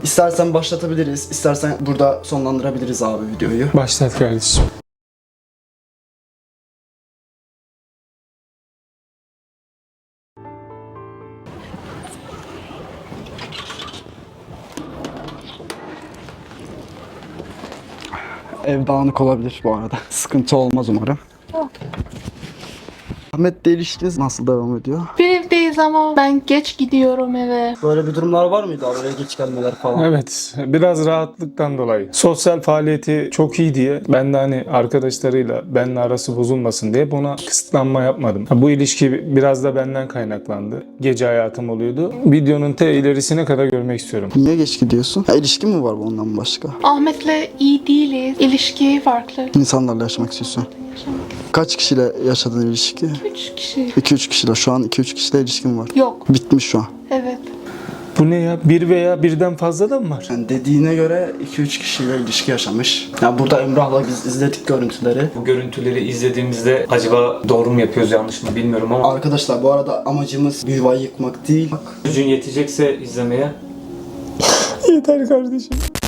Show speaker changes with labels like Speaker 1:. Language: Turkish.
Speaker 1: İstersen başlatabiliriz, istersen burada sonlandırabiliriz abi videoyu.
Speaker 2: Başlat kardeşim.
Speaker 1: Ev dağınık olabilir bu arada. Sıkıntı olmaz umarım. Ahmet'le ilişkiniz nasıl devam ediyor?
Speaker 3: Bir evdeyiz ama ben geç gidiyorum eve.
Speaker 1: Böyle bir durumlar var mıydı abi? Eve geç gelmeler falan.
Speaker 2: Evet, biraz rahatlıktan dolayı. Sosyal faaliyeti çok iyi diye ben de hani arkadaşlarıyla benimle arası bozulmasın diye buna kısıtlanma yapmadım. Bu ilişki biraz da benden kaynaklandı. Gece hayatım oluyordu. Videonun ilerisine kadar görmek istiyorum.
Speaker 1: Niye geç gidiyorsun? Ha, ilişkin mi var bundan başka?
Speaker 3: Ahmet'le iyi değiliz. İlişki farklı.
Speaker 1: İnsanlarla yaşamak istiyorsun. Kaç kişiyle yaşadığın ilişki?
Speaker 3: 3 kişi.
Speaker 1: 2-3 kişiyle. Şu an 2-3 kişiyle ilişkin var.
Speaker 3: Yok.
Speaker 1: Bitmiş şu an.
Speaker 3: Evet.
Speaker 2: Bu ne ya? Bir veya birden fazla da mı var?
Speaker 1: Yani dediğine göre 2-3 kişiyle ilişki yaşamış. Yani burada Emrah'la biz izledik görüntüleri.
Speaker 4: Bu görüntüleri izlediğimizde acaba doğru mu yapıyoruz yanlış mı bilmiyorum ama
Speaker 1: Arkadaşlar bu arada amacımız bir yuvayı yıkmak değil.
Speaker 4: gücün yetecekse izlemeye
Speaker 2: Yeter kardeşim.